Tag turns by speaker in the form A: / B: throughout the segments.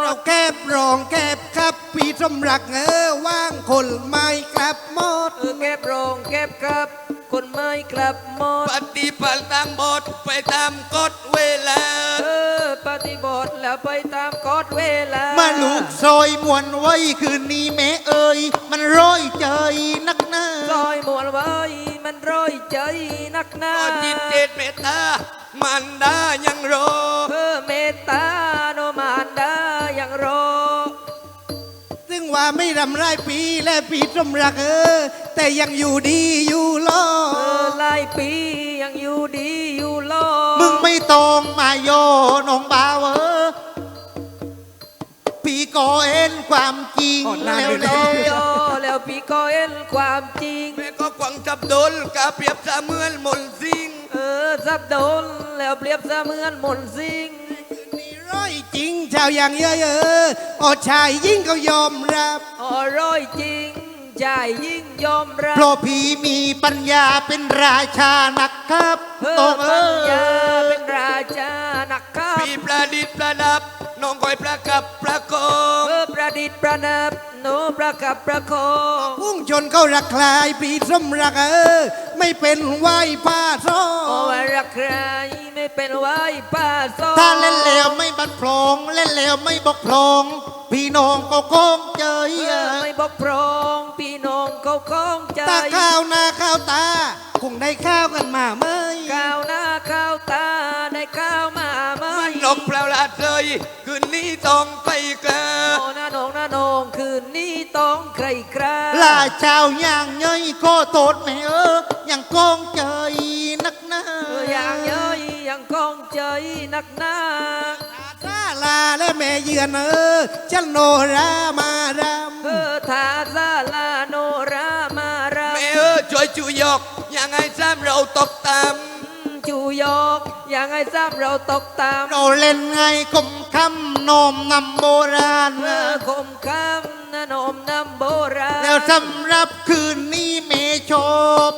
A: เราแก็บรองแก็บครับพี่สมรักว่างคนไม่กลับหมด
B: เก็บรองเก็บครับคนไม่กลับหมด
C: ปฏิบัติตามบทไปตามกฎเวลา
B: ปฏิบัติแล้วไปตามกฎเวลา
A: มาลูกซอยมวนไว้คืนนี้แม่เอ่ยมันร้อยใจนักหน้า
B: ซอยมวนไว้มันร้อยใจนักหน้า
C: จิตเจตเมตตามันดายังรอ
B: เมตตาโนมานดายังรอ
A: ซึ่งว่าไม่รำไรปีและปีสมรักแต่ยังอยู่ดีอยู่รอ
B: หลายปียังอยู่ดีอยู่รอ
A: มึงไม่ต้องมาโยน้องบ่าวพี่ก็เห็นความจริง
B: แล้วพี่ก็เห็นความจริง
C: แม่ก็กวังจับโดนกาเปรียบเสมือนมนสิง
B: จับโดนแล้วเปรียบเสมือนมนสิง
A: นี่ร้อยจริงชาวอย่างเยอะชายยิ่งเขายอมรับ
B: ร้อยจริงชายยิ่งยอมรับ
A: เพราะพี่มีปัญญาเป็นราชานักครับ
B: ปัญญาเป็นราชานักครับ
C: พี่ประดิษฐ์ประดับน้องคอยประกับประคอง
B: ประดิษฐ์ประดับโนประกับประคอง
A: พุ่งชนเขารักใครปีสมรักไม่เป็นไหวป้าซ้อ
B: รักใครไม่เป็นไหวป้าซ้อ
A: ถ้าเล่นแล้วไม่บัดพลองเล่นแล้วไม่บกพร่องพี่น้องก็คงใจ
B: ไม่บกพร่องพี่น้องก็คงใจ
A: ตาข้าวหน้าข้าวตาคงได้ข้าวกันมาเมื่อ
B: ข้าวหน้าข้าวตาได้ข้าวมาเมื่
C: อนกเปล่าละเลยคืนนี้ต้องไปกัน
B: น้าน้องคืนนี้ต้องใครครา
A: ลาเจ้าอย่างเย้ยก็โทษแม่ยังคงใจนักหน้า
B: อย่างเย้ยยังคงใจนักหน้า
A: ซาลาและแม่เยือนฉันโนรามารำ
B: ทาซาลาโนรามารำ
C: แม่ช่วยจูยกยังไงซ้ำเราตกต่
B: ำจูยกยังไงซ้ำเราตกต่ำ
A: เราเล่นไงคมคำนมนำโบราณ
B: คมคำนมนำโบราณ
A: แล้วสำหรับคืนนี้เมชบ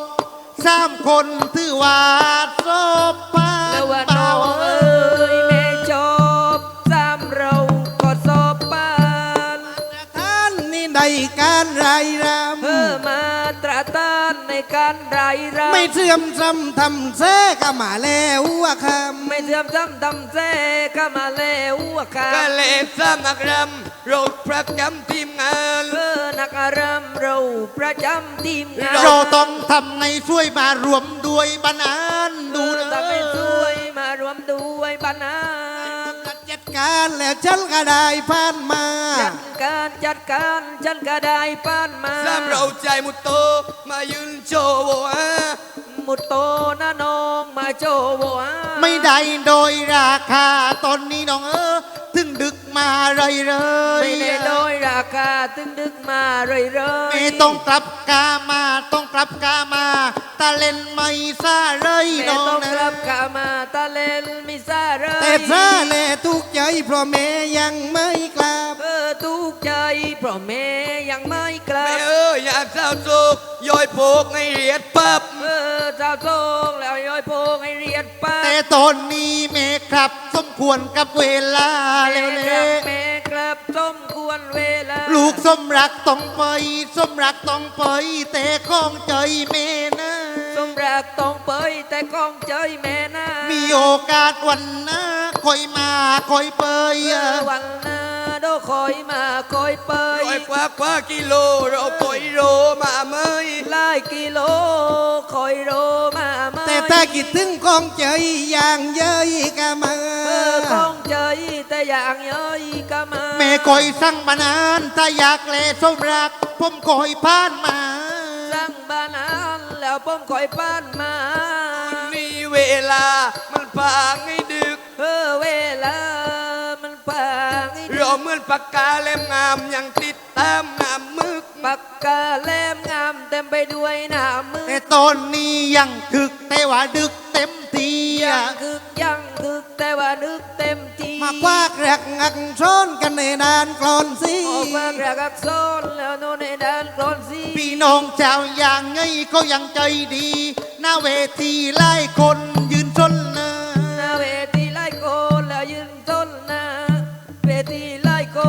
A: 3 คนถือว่าศพผ่าน
B: เปล่าเมชบ3เราก็ศพผ่าน
A: ท่านนี่ในการไรรำ
B: มาตราตานในการไรรำ
A: ไม่เสื่อมซ้ำทำแท้ก็มาแล้วคำ
B: ไม่เสื่อมซ้ำทำแท้ก็มาแล้วคำ
C: ก็เล่สมักรำเราประจำทีมงาน
B: นักรำเราประจำทีมงาน
A: เราต้องทำไงช่วยมารวมด้วยบรรณานดู
B: ทำให้ช่วยมารวมด้วยบรรณาน
A: จัดการแล้วฉันก็ได้ผ่านมา
B: จัดการฉันก็ได้ผ่านมา
C: ซ้ำเราใจมุตโตมายืนโชว์
B: มุตโตนะน้องมาโชว์
A: ไม่ได้โดยราคาตอนนี้น้องถึงดึกมาเลย
B: ไม่ได้โดยราคาถึงดึกมาเลย
A: ไม่ต้องกลับกามาต้องกลับกามาตาเล่นไม่ซาเลย
B: น้องต้องกลับกามาตาเล่นไม่ซาเลย
A: แต่ซาแลทุกใจเพราะแม่ยังไม่กลับ
B: ทุกใจเพราะแม่ยังไม่กลับ
C: แม่อยากเศร้าโศกย้อยโพกให้เรียดปั๊บ
B: เจ้าโศกแล้วย้อยโพกให้เรียดปั๊บ
A: แต่ตอนนี้แม่ครับสมควรกับเวลาแล้ว
B: แม่ครับสมควรเวลา
A: ลูกสมรักต้องไปสมรักต้องไปแต่ข้องใจแม่นะ
B: สมรักต้องไปแต่ข้องใจแม่นะ
A: มีโอกาสวันหน้าคอยมาคอยไป
B: วันหน้าโดคอยมาคอยไป
C: กว่ากิโลเราคอยโรมาเมย
B: หลายกิโลคอยโรมาเมย
A: แต่ถ้าคิดถึงข้องใจอย่างเย้ยก็มา
B: ข้องใจแต่อย่างเย้ยก็มา
A: แม่คอยสั่งบานานถ้าอยากแลสมรักผมคอยผ่านมา
B: สั่งบานานแล้วผมคอยผ่านมา
C: นี่เวลามันพางให้ดึก
B: เวลามันพางให้ดึก
C: เราเหมือนปากกาเล่มงามยังติดตามน้ำมึก
B: ปากกาเล่มงามเต็มไปด้วยน้ำมึก
A: แต่ตอนนี้ยังคึกแต่ว่าดึกเต็มที
B: ยังคึกแต่ว่านึกเต็มที
A: มากว่าแรกงักซ้อนกันในนานกลอนสิ
B: มากแรกงักซ้อนแล้วโน่นในนานกลอนสิ
A: พี่น้องเจ้าอย่างไงก็ยังใจดีหน้าเวทีไล่คนยืนชนหน้า
B: เวทีไล่คนแล้วยืนชนหน้าเวทีไล่คน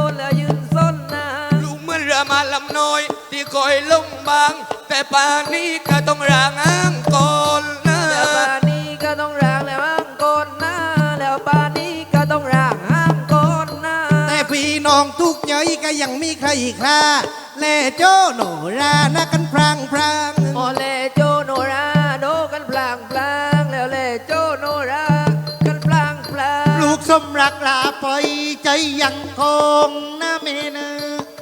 C: ำน้อยที่คอยลงบาง แต่ป่านนี้ก็ต้องร่างอ้างก่อนนะ
B: แล้วป่านนี้ก็ต้องร่างแล้วอ้างก่อนนะแล้วป่านนี้ก็ต้องร่างอ้างก่อนนะ
D: แต่พี่น้องทุกใจก็ยังมีใครอีกค่าแล่โจ้โนรานะกันพรางพราง
B: โอเลโจโนราโดกันพลางพลางแล้วเลโจโนรากันพลางพลาง
A: ลูกสมรักลาไปใจยังคงนะเมนะ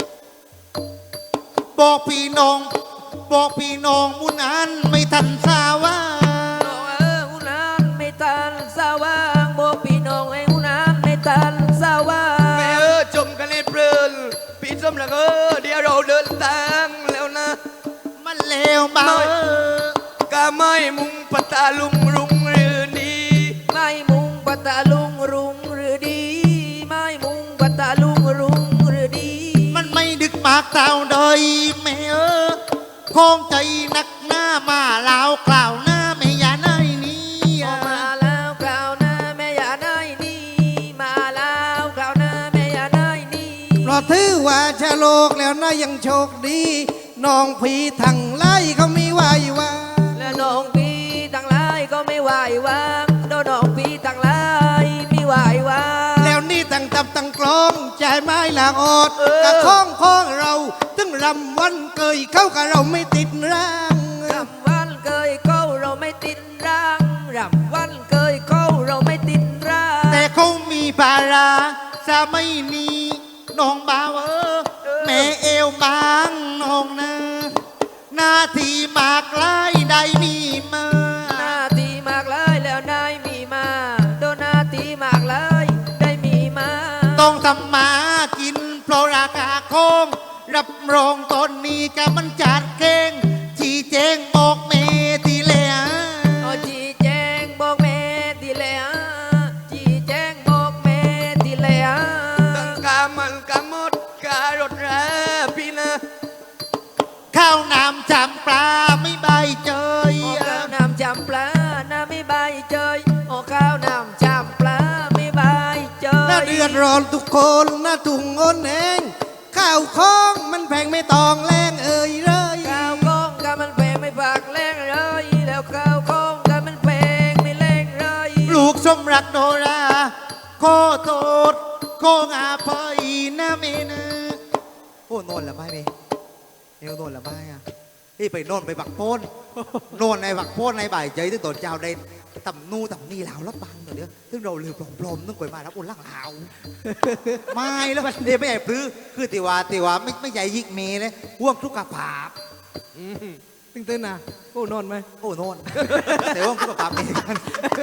A: บอกพี่น้องมุนอันไม่ทันสาวา
B: น้องอุนานไม่ตันสว่างบอกพี่น้องไอ้อุนานไม่ตันสว่าง
C: แม่จมกันในเพลินพี่สมรักเดี๋ยวเราเดินทางแล้วนะ
A: มันเลวเบา
C: ก็ไม่มุงปะตาลุงรุงหรือดี
B: ไม่มุงปัตตาลุงรุงหรือดีไม่มุงปัตตาลุงรุงหรือดี
A: มันไม่ดึกมากเท่าใดแม่คงใจนักหน้ามาลาวกล่าวหน้าไม่ยาไนนี้
B: ออกมาแล้วกล่าวหน้าแม่อย่าได้นี่มาแล้วกล่าวหน้าแม่อย่าได้นี่
D: เพราะถือว่าชะโลกแล้วนะยังโชคดีน้องผีทั้งไล่เขามีไหวว่า
B: และน้องพี่ทั้งหลายก็ไม่ไหววางโดนน้องพี่ทั้งหลายไม่ไหววาง
D: แล้วนี่ตั้งตับตั้งกลองใจไม้หลากอดกะข้องเราตึงรำวันเกยเข้ากับเราไม่ติดร่าง
B: รำวันเกยเข้าเราไม่ติดร่างรำวันเกยเข้าเราไม่ติดร่าง
A: แต่เขามีภาราสาไม่นีน้องบ่าวแม่เอวบางน้องนะหน้าที่มากลายได้มีมา
B: หน้าที่มากเลยแล้วได้มีมาโดนหน้าที่มากเลยได้มีมา
A: ต้องทำมากินเพราะราคาคงรับรองตอนนี้ก็มันจัดเก่งชี้แจงบอกเมทีแล้ว
B: เอาจีแจงบอกแม่ทีแล้วจีแจงบอกแม่ทีแล้ว
C: ตั้งกามันกามดการถราพี่นะ
A: ข้าวน้ำจำปลาไม่ใบเจย
B: โอ้ข้าวน้ำจำปลาน้ำไม่ใบเจยโอ้ข้าวน้ำจำปลาไม่ใบเจย
D: น่าเดือดร้อนทุกคนน่าถุงโอนเองข้าวของมันแพงไม่ตองแรงเอ่ยเลย
B: ข้าวกล้องก็มันแพงไม่ฝากแรงเลยแล้วข้าวกล้องก็มันแพงไม่แรงเลย
A: ลูกสมรักโนราโคโทษโคงาพอยนะเมนะโอ้โนนละไม่เมเอวโนนละไม่อะพี่ไปโนนไปบักโพนโนนในบักโพนในบ่ายใจที่ตนเจ้าได้ต่ำนู่ต่ำนี่ลาวรับบังเดี๋ยวซึ่งเราลืมปลอมๆต้องกวยมารับอุ่นล่างลาวไม่แล้วมันเดี๋ยวไม่ใหญ่พื้คือติว่าไม่ใหญ่ยิกเมเลยห่วงทุกกระผาบ
D: ตึงเต้นนะโอ้นอนไหม
A: โอ้โนนแต่ห่วงทุกกระผาบเองกัน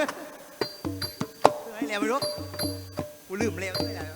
A: ไอ้แล้วไม่รู้กูลืมแล้วไม่ได้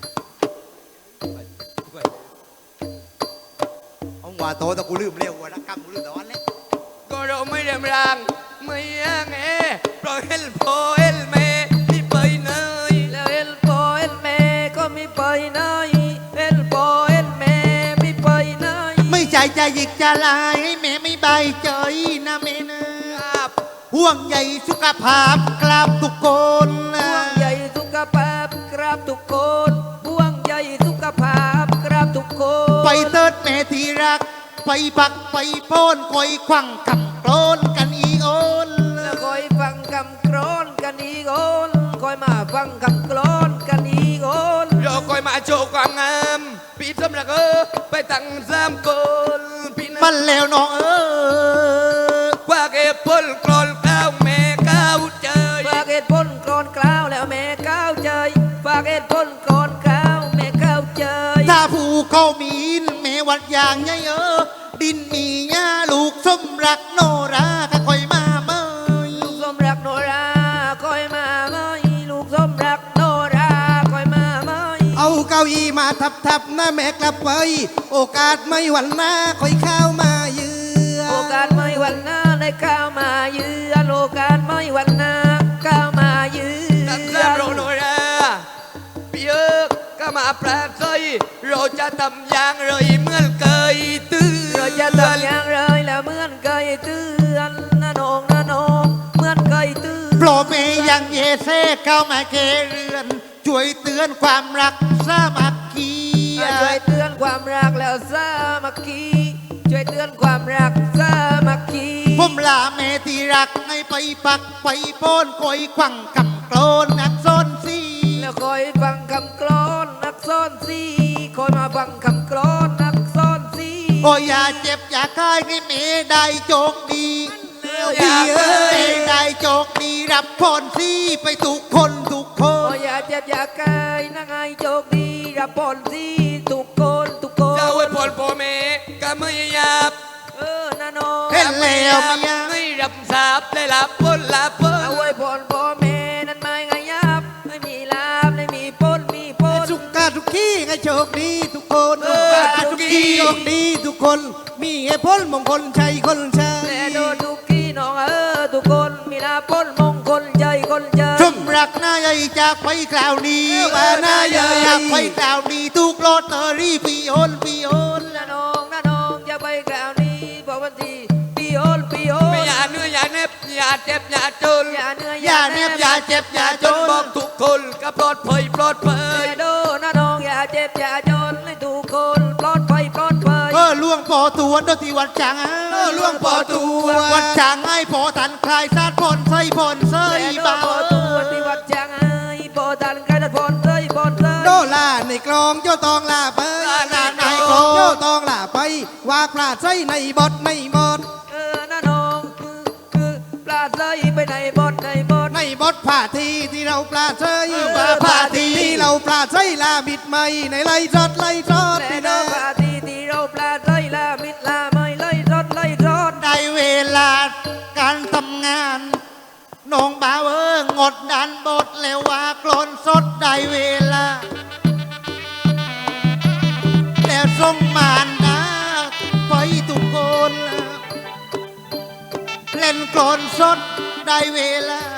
A: เอาหัวโตแต่กูลืมเร็วหัวนักกรรมกูลืมแต่วันเล็ก
C: ก็เราไม่เรียมรางไม่ยังเอเพราะเฮลโพเฮลเมที่ไปเนย
B: แล้วเอลโปเอลเมก็ไม่ไปไหนเอลโปเอลเมไม่ไปไหน
A: ไม่ใจจะหยิกจะลายให้แม่ไม่ใบเจยนะแม่นะครับ ห่วงใยสุขภาพกราบทุกคนนะ
B: ห่วงใยสุขภาพกราบทุกคนห่วงใยสุขภาพกราบทุกคน
A: ไปเติดแม่ที่รัก ไปปักไปโป้นคอยควังคำโกรนกันอีโอน
B: แล้วคอยฟังคำกรอนกันอีกคนคอยมาฟังคำกรอนกันอีกคน
C: เราคอยมาโชว์ความงามพี่สมรักไปตั้งสามคนพี่นะ
A: มันแล้วน้อง
C: กว่าเก็บผลกรอนข้าวแม่ข้าวเจย
B: ฝากเหตุผลกรอนกล่าวแล้วแม่ก้าวใจฝากเหตุผลกรอนกล่าวแม่ก้าวใจ
A: ถ้าผู้เขามีนแม่วัดอย่างไงดินมีหญ้าลูกสมรักโนราก็คอยมาเมย
B: ลูกสมรักโนราคอยมาไหมลูกสมรักโนราคอยมาไหม
D: เอาเก้าอี้มาทับนะแม่กลับไป โอกาสไม่หวันหน้าค่อยเข้ามาเยือ
B: โอกาสไม่วันหน้าได้ก้าวมาเยือนโอกาสไม่วันหน้าก้าวมาเยือ
C: ตั้งสามโรโนราพี่ก็มาปราศัยเราจะทำอย่างไรเหมื่อนเคยตื่น
B: เราจะทำอย่างไรแล้วเหมือนเคยเตือนนะน้องนะน้องเหมือนเคยเตือน
A: โปรเมยังเยเซเข้ามาเคเรือน ช่วยเตือนความรักสามัคคี
B: ช่วยเตือนความรักแล้วสามัคคี
A: รักให้ไปปักไปโป้นคอยขวังกำโกลนนักซนสี
B: แล้วคอยฟังคำกลอนนักซ่อนสีคอยมาฟังคำกลอนนักซ่อนสี
A: โอ้ยอย่าเจ็บอย่าคายให้เมได้โจกดี
B: แล้วอ
A: ดี
B: ย่า
A: เอ้ยได้โจกดีรับพรสีไปทุกคนทุกค
B: โอ้
A: น
B: อย่าเจ็บอย่ากายนักไอโชคดีรับพรสีทุกคนทุกคน
C: เจ้าไว้พรพ่อแม่ก็ไม่หยาบ
B: นาน้อง
A: เห็นแล้วเมีย
C: ไม่รับทราบได้รับพ้นละพ้น
B: เอาไว้พรพ่อแม่นั้นไม่ไงยับไม่มีลาบไม่มีพ้นมีพ้น
D: สุขกาทุกที่ให้โชคดีทุกคน
B: ทุกที่
D: โชคดีทุกคน มีเหตุผลมงคลชัยคนชั
B: แต่
D: ย
B: โดนทุกที่น้องทุกคนมีลาบพ้นมงคลใจคนใจ
A: ชมรักหน้าใหญ่จากไปคราวนี้ว่าหน้าใหญ่จากไปคราวนี้ทุกโลอตเตอรี่พี่โอนพี่โอน
B: นาน้องจะไปกล่าวนี้บอกวันที่ปีโอนปีโอน
C: ไม่อย่าเหนื่อยอย่าเหน็บอย่าเจ็บอย่าจน
B: อย่าเหนื่อย
A: อย่าเน็บอย่าเจ็บอย่า
C: จ
A: จ
C: น
A: น
C: บอกทุกคนก็ปลอดภัยปลอดภัย
B: แต่โดนาน้องอย่าเจ็บอย่าจนให้ทุกคนปลอดภัยปลอดภัย
A: ล่วงปอตัวโดนที่วัดจาง
D: ล่วงปอตัว
A: วัดจางให้พอทันคลายซาดพนใส่พนใส่
B: แต่โด
A: บ่า
B: พอตัวที่วัดจางไอ้โปตันใครตัดพรเอ้ยพรเอ้ย
D: โดลาในกลองโยตองลาไป
A: ในกลอง
D: โยตองลาไปว่าปลาดใส่ในบทในบท
B: นาน้องคือปลาใสไปในบดในบด
D: ในบทผ่าทีที่เราปลาดใส่
A: ผ่าที
D: ที่เราปลาดใส่ลาบิดไม่ในไล่จอดไล่จอด
B: แต่
D: นี่
B: โด
D: นะ
B: ปลาทีที่เราปลาใสลามิดลาไม่ไล่รถไล่รถ
A: ได้เวลาการทำงานน้องบ่าวงดดันบทแล้วว่ากลนสดได้เวลา แล้วส่งมานนะไปทุกคนเล่นกลอนสดได้เวลา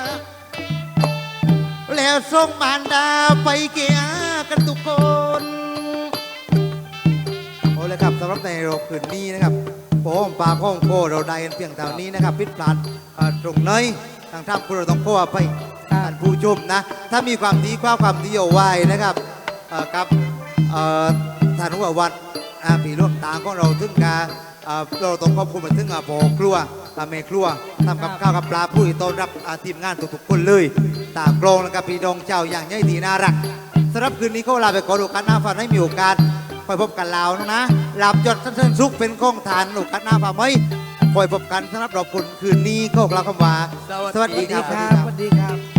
A: แล้วส่งมารดาไปเกียกันทุกคนโอ้เลยครับสำหรับในโรคืนนี้นะครับผมปลาข้องโคเราได้กันเพียงเท่านี้นะครับพิษพลาดตรงไหนทางท่านผู้เราต้องโค้ไปท่านผู้ชมนะ ถ้ามีความดีความดีเอาไว้นะครับกับท่านหัววัดผีร่วมตาของเราถึงการเราต้องขอบคุณมาถึงพ่อครัวแม่ครัวทำกับข้าวกับปลาผู้ต้อนรับทีมงานทุกๆคนเลยตามกลองนะครับพี่ดองเจ้าอย่างใหญ่ดีน่ารักสำหรับคืนนี้ก็ลาไปก่อนโอกาสหน้าฝันให้มีโอกาสไปพบกันแล้วนะหลับจดสั้นๆสุขเป็นข้องทานโอกาสหน้าฝันไหมคอยพบกันสำหรับเราคนคืนนี้ก็กล่าวคำว่าสวัสดีครับ
D: สวัสดีครับ